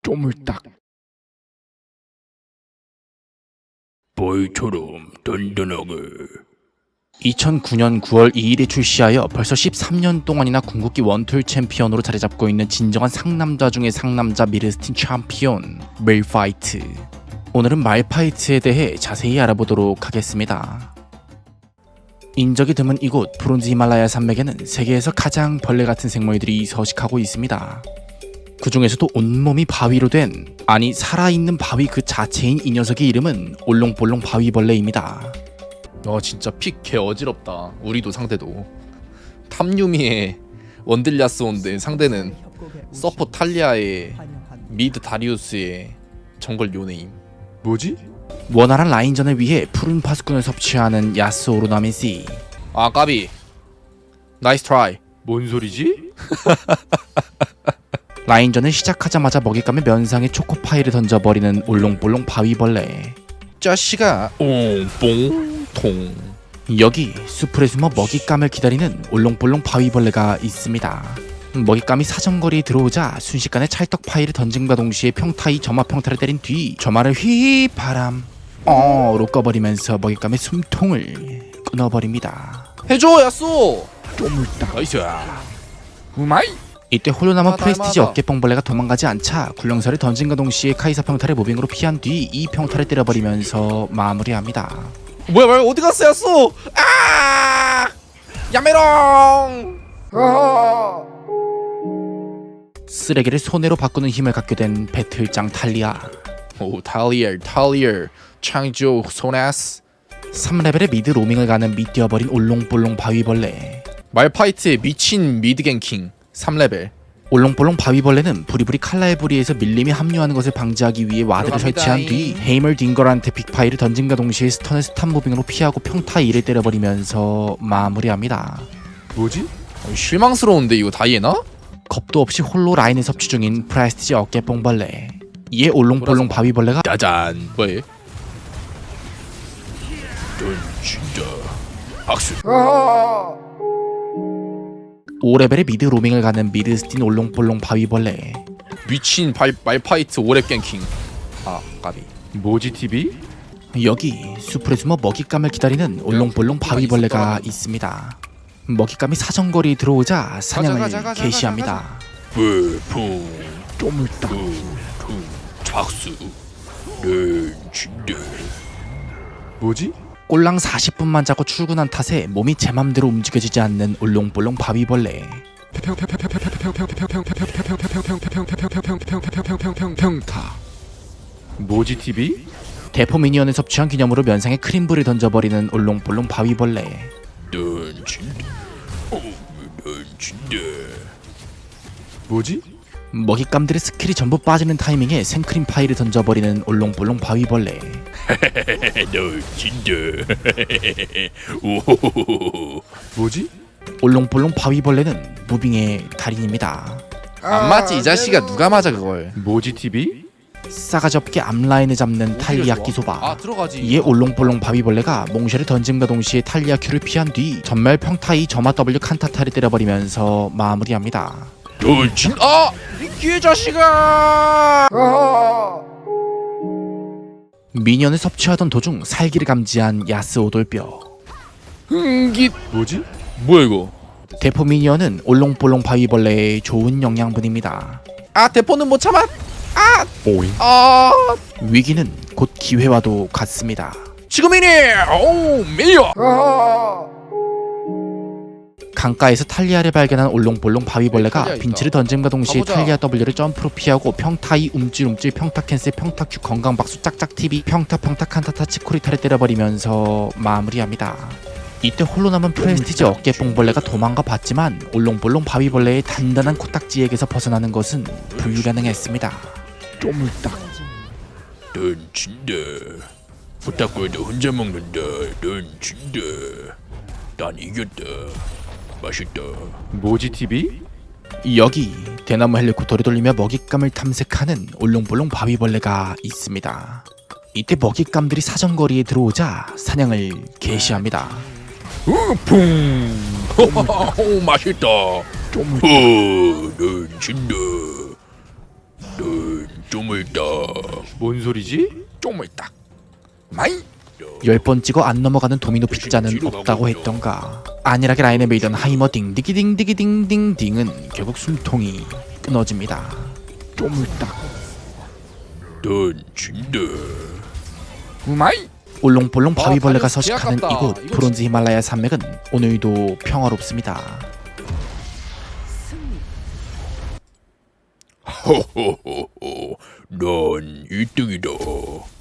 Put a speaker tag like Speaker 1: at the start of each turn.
Speaker 1: 쪼물딱 보이처럼 든든하게. 2009년 9월 2일에 출시하여 벌써 13년 동안이나 궁극기 원툴 챔피언으로 자리잡고 있는 진정한 상남자 중의 상남자 미르스틴 챔피언 말파이트. 오늘은 말파이트에 대해 자세히 알아보도록 하겠습니다. 인적이 드문 이곳 브론즈 히말라야 산맥에는 세계에서 가장 벌레 같은 생물들이 서식하고 있습니다. 그 중에서도 온몸이 바위로 된, 아니 살아있는 바위 그 자체인 이 녀석의 이름은 올롱볼롱 바위벌레입니다.
Speaker 2: 진짜 픽 개 어지럽다. 우리도 상대도 탐유미의 원딜야스온데 상대는 서포 탈리아의 미드 다리우스의 정글 요네임.
Speaker 3: 뭐지?
Speaker 2: 원활한 라인전을 위해 푸른 파수꾼을 섭취하는 야스오 오르나미시. 아 까비. 나이스 트라이.
Speaker 3: 뭔 소리지?
Speaker 2: 라인전을 시작하자마자 먹잇감에 면상에 초코파이를 던져버리는 올롱볼롱 바위벌레. 짜시가 옹뽕통. 여기 수풀에 숨어 먹잇감을 기다리는 올롱볼롱 바위벌레가 있습니다. 먹잇감이 사정거리에 들어오자 순식간에 찰떡파이를 던짐과 동시에 평타이 점화 평타를 때린 뒤 점화를 휘바람 로 꺼버리면서 먹잇감의 숨통을 끊어버립니다. 해줘 야쏘.
Speaker 1: 쪼물딱
Speaker 2: 나이스.
Speaker 1: 우마이.
Speaker 2: 이때 홀로 남은
Speaker 3: 맞아,
Speaker 2: 프레스티지
Speaker 3: 맞아.
Speaker 2: 어깨뽕벌레가 도망가지 않자 굴렁쇠를 던진과 동시에 카이사 평타를 무빙으로 피한 뒤 이 평타를 때려버리면서 마무리합니다. 뭐야 어디 갔어 야쏘. 아 야메롱. 쓰레기를 손해로 바꾸는 힘을 갖게 된 배틀장 탈리아. 오 탈리아 창조 소나스. 3레벨의 미드 로밍을 가는 미뛰어버린 올롱볼롱 바위벌레. 말파이트의 미친 미드갱킹 3레벨. 올롱볼롱 바위벌레는 부리부리 칼날 부리에서 밀림이 합류하는 것을 방지하기 위해 와드를 설치한 뒤 헤이멀 딩거한테 빅파이를 던짐과 동시에 스턴을 스탄 무빙으로 피하고 평타 2를 때려버리면서 마무리합니다.
Speaker 3: 뭐지?
Speaker 2: 실망스러운데 이거 다이애나? 겁도 없이 홀로 라인을 섭취 중인 프레스티지 어깨뽕벌레. 이에 올롱볼롱 바위벌레가 짜잔. 뭐해?
Speaker 1: 진짜 박수.
Speaker 2: 5레벨의 미드 로밍을 가는 미르스틴 올롱볼롱 바위벌레. 미친 말파이트 5렙 갱킹. 아 까비.
Speaker 3: 뭐지 TV?
Speaker 2: 여기 수풀에 숨어 먹잇감을 기다리는 올롱볼롱 바위벌레가 있습니다. 먹잇감이 사정거리에 들어오자 사냥을 개시합니다.
Speaker 1: 불풍 쪼물딱 박수. 진짜
Speaker 3: 뭐지?
Speaker 2: 꼴랑 40분만 자고 출근한 탓에 몸이 제 맘대로 움직여지지 않는 올롱볼롱 바위벌레.
Speaker 3: 평타. 뭐지 TV?
Speaker 2: 대포 미니언을 섭취한 기념으로 면상에 크림불을 던져버리는 올롱볼롱 바위벌레.
Speaker 1: 넌 진짜 넌 진짜
Speaker 3: 뭐지?
Speaker 2: 먹잇감들의 스킬이 전부 빠지는 타이밍에 생크림 파이를 던져버리는 올롱볼롱 바위벌레.
Speaker 1: 넌 진짜 오호호호.
Speaker 3: 뭐지?
Speaker 2: 올롱볼롱 바위벌레는 무빙의 달인입니다.
Speaker 4: 안 맞지 이 자식아. 누가 맞아 그걸.
Speaker 3: 뭐지 TV?
Speaker 2: 싸가지 없게 앞라인을 잡는 탈리아 끼소바.
Speaker 4: 아 들어가지.
Speaker 2: 이에 올롱볼롱 바위벌레가 몽쉘을 던짐과 동시에 탈리아 큐를 피한 뒤 전멸 평타이 점화 W 칸타타를 때려버리면서 마무리합니다.
Speaker 1: 넌 진짜
Speaker 4: 아! 이 자식아!
Speaker 2: 미니언을 섭취하던 도중 살기를 감지한 야스오 돌뼈.
Speaker 4: 흥깃.
Speaker 3: 뭐지?
Speaker 4: 뭐야 이거?
Speaker 2: 대포 미니언은 올롱볼롱 바위벌레의 좋은 영양분입니다.
Speaker 4: 아 대포는 못 참아.
Speaker 3: 오잉.
Speaker 4: 아
Speaker 2: 위기는 곧 기회와도 같습니다.
Speaker 4: 지금이니. 오 밀려.
Speaker 2: 강가에서 탈리아를 발견한 올롱볼롱 바위벌레가
Speaker 4: 탈리아 있다.
Speaker 2: 빈치를 던짐과 동시에
Speaker 4: 가보자.
Speaker 2: 탈리아 W를 점프로 피하고 평타이 움찔움찔 평타 캔슬 평타 큐 건강박수 짝짝 TV 평타 칸타타 치코리타를 때려버리면서 마무리합니다. 이때 홀로 남은 프레스티지 어깨뽕벌레가 도망가 봤지만 올롱볼롱 바위벌레의 단단한 코딱지에게서 벗어나는 것은 불가능했습니다.
Speaker 1: 쪼물딱 넌 진짜 부탁해도 혼자 먹는다. 넌 진짜 난 이겼다. 맛있다.
Speaker 3: 뭐지 TV?
Speaker 2: 여기 대나무 헬리콥터를 돌리며 먹잇감을 탐색하는 올롱볼롱 바위벌레가 있습니다. 이때 먹잇감들이 사정거리에 들어오자 사냥을 개시합니다.
Speaker 1: 풍. 오 맛있다. 넌 진짜 넌
Speaker 4: 쪼물딱
Speaker 3: 뭔 소리지?
Speaker 4: 쪼물딱 마이
Speaker 2: 10번 찍어 안 넘어가는 도미노 피자는 없다고 했던가. 안일하게 라인에 밀던 하이머 딩디기딩디기딩딩딩은 결국 숨통이 끊어집니다.
Speaker 4: 쪼물딱 넌 진다 마이
Speaker 2: 올롱볼롱 바위벌레가
Speaker 4: 다리우스
Speaker 2: 서식하는
Speaker 4: 계약 같다.
Speaker 2: 이곳 브론즈 히말라야 산맥은 오늘도 평화롭습니다.
Speaker 4: 호호호호 넌 1등이다